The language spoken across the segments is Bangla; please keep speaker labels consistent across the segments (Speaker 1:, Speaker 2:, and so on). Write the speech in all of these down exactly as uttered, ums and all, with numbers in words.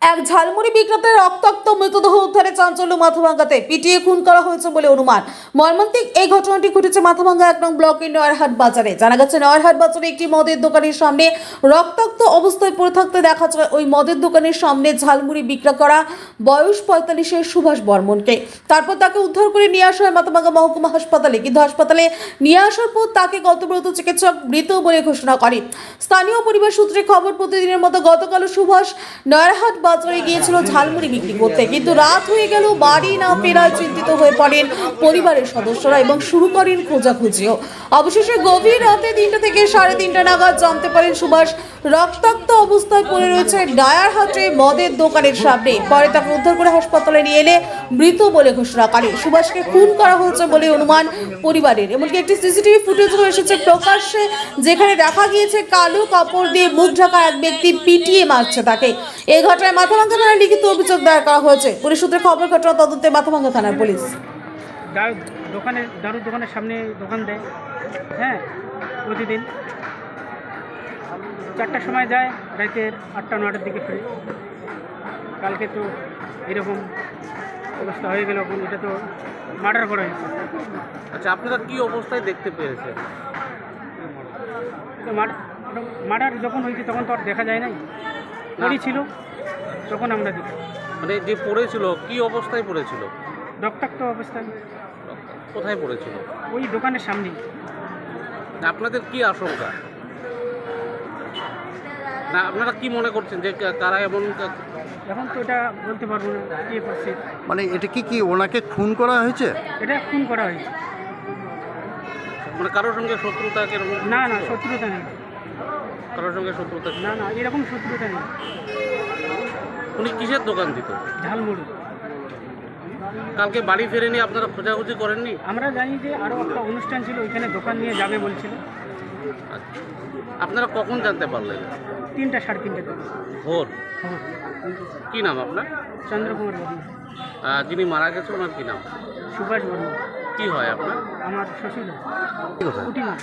Speaker 1: এক ঝালমুড়ি বিক্রেতার রক্তাক্ত মৃতদেহ উদ্ধারে চাঞ্চল্য মাথাভাঙ্গাতে পিটিয়ে খুন করা হয়েছে বলে অনুমান। মর্মান্তিক এই ঘটনাটি ঘটেছে মাথাভাঙ্গা এক নং ব্লকের নয়ারহাট বাজারে। জানা গেছে, নয়ারহাট বাজারে একটি মদের দোকানের সামনে রক্তাক্ত অবস্থায় পড়ে থাকতে দেখা যায় ওই মদের দোকানের সামনে ঝালমুড়ি বিক্রি করা বয়স পঁয়তাল্লিশের সুভাষ বর্মনকে। তারপর তাকে উদ্ধার করে নিয়ে আসা হয় মাথাভাঙ্গা মহকুমা হাসপাতালে, কিন্তু হাসপাতালে নিয়ে আসার পর তাকে কর্তব্যরত চিকিৎসক মৃত বলে ঘোষণা করে। স্থানীয় পরিবার সূত্রে খবর, প্রতিদিনের মতো গতকাল সুভাষ নয়ারহাট বাজারে গিয়েছিল ঝালমুড়ি বিক্রি করতে, কিন্তু রাত হয়ে গেল বাড়ি না ফেরায় চিন্তিত হয়ে পড়েন পরিবারের সদস্যরা এবং শুরু করেন খোঁজাখুঁজিও। অবশেষে গভীর রাতে তিনটা থেকে সাড়ে তিনটা নাগাদ জানতে পারেন সুভাষ রক্তাক্ত অবস্থায় পড়ে রয়েছে নয়ারহাটে মদের দোকানের সামনে। পরে তাকে উদ্ধার করে হাসপাতালে নিয়ে এলে মৃত বলে ঘোষণা করে। সুভাষকে খুন করা হয়েছে বলে অনুমান পরিবারের। এমনকি একটি সিসিটিভি ফুটেজও এসেছে প্রকাশ্যে, যেখানে দেখা গিয়েছে কালো কাপড় দিয়ে মুখ ঢাকা এক ব্যক্তি পিটিয়ে মারছে তাকে। এই ঘটনায় মাথাভাঙ্গা থানায় লিখিত অভিযোগ দায়ের করা হয়েছে। পুলিশ সূত্রে খবর, ঘটনা তদন্তে মাথাভাঙ্গা থানার পুলিশ।
Speaker 2: দোকানের দারুর দোকানের সামনে দোকান দেয়, হ্যাঁ, প্রতিদিন চারটার সময় যায়, রাতের আটটা নটার দিকে ফিরে। কালকে তো এরকম অবস্থা হয়ে গেল, এটা তো মার্ডার করা হয়েছে।
Speaker 3: আচ্ছা, আপনারা কি অবস্থায় দেখতে পেয়েছেন?
Speaker 2: মার্ডার যখন হয়েছে তখন তো আর দেখা যায় নাই, পড়ি ছিল তখন আমরা দেখি।
Speaker 3: মানে যে পড়েছিল কি অবস্থায় পড়েছিল?
Speaker 2: রক্তাক্ত অবস্থায়।
Speaker 3: কোথায় পড়েছিল?
Speaker 2: ওই দোকানের সামনেই।
Speaker 3: আপনাদের কি আশঙ্কা? না, আপনারা কি মনে করছেন যে কারা এমন?
Speaker 2: এখন তো এটা বলতে পারবো না কি করছে।
Speaker 4: মানে এটা কি কি ওনাকে খুন করা হয়েছে?
Speaker 2: এটা খুন করা হয়েছে।
Speaker 3: মানে কারোর সঙ্গে শত্রুতা? এরকম
Speaker 2: না না, শত্রুতা নেই।
Speaker 3: কারোর সঙ্গে শত্রুতা
Speaker 2: না না, এরকম শত্রুতা নেই।
Speaker 3: উনি কিসের দোকান দিত?
Speaker 2: ঝালমুড়ি।
Speaker 3: কালকে বাড়ি ফেরেনি, আপনারা খোঁজাখুঁজি করেননি?
Speaker 2: আমরা জানি যে আরও একটা অনুষ্ঠান ছিল, ওইখানে দোকান নিয়ে যাবে বলছিল।
Speaker 3: আচ্ছা, আপনারা কখন জানতে পারলেন?
Speaker 2: তিনটা সাড়ে তিনটে থেকে।
Speaker 3: ভোর?
Speaker 2: খবর।
Speaker 3: কি নাম আপনার?
Speaker 2: চন্দ্রকুমার বর্মা।
Speaker 3: আহ, যিনি মারা গেছে ওনার কি নাম?
Speaker 2: সুভাষ বর্মা।
Speaker 3: কি হয় আপনার?
Speaker 2: আমার শ্বশুর কুটিমা।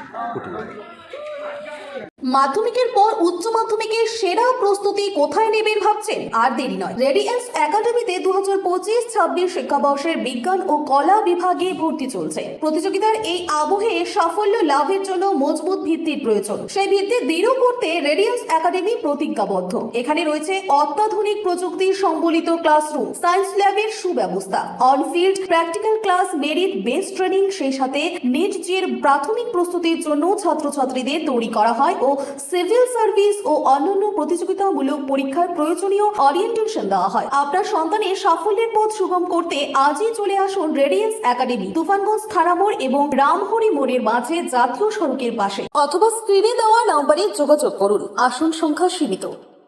Speaker 1: মাধ্যমিকের পর উচ্চ মাধ্যমিকের সেরা প্রস্তুতি কোথায় নেবেন ভাবছেন? আর দেরি নয়, রেডিয়েন্স একাডেমিতে দু হাজার পঁচিশ ছাব্বিশ শিক্ষাবর্ষের বিজ্ঞান ও কলা বিভাগে ভর্তি চলছে। প্রতিযোগিতার এই আবহে সাফল্য লাভের জন্য মজবুত ভিত্তির প্রয়োজন। সেই ভিত্তি দৃঢ় করতে রেডিয়েন্স একাডেমি প্রতিজ্ঞাবদ্ধ। এখানে রয়েছে অত্যাধুনিক প্রযুক্তি সম্বলিত ক্লাসরুম, সায়েন্স ল্যাবের সুব্যবস্থা, onfield practical class, merit based training, সেই সাথে নিট জের প্রাথমিক প্রস্তুতির জন্য ছাত্রছাত্রীদের তৈরি করা হয় ও সিভিল সার্ভিস ও অন্যান্য প্রতিযোগিতামূলক পরীক্ষার প্রয়োজনীয় ওরিয়েন্টেশন দেওয়া হয়। আপনার সন্তানের সাফল্যের পথ সুগম করতে আজই চলে আসুন রেডিয়েন্স একাডেমি, তুফানগঞ্জ থানা মোড় এবং রামহরি মোড়ের মাঝে জাতীয় সড়কের পাশে, অথবা স্ক্রিনে দেওয়া নম্বরে যোগাযোগ করুন। আসন সংখ্যা সীমিত।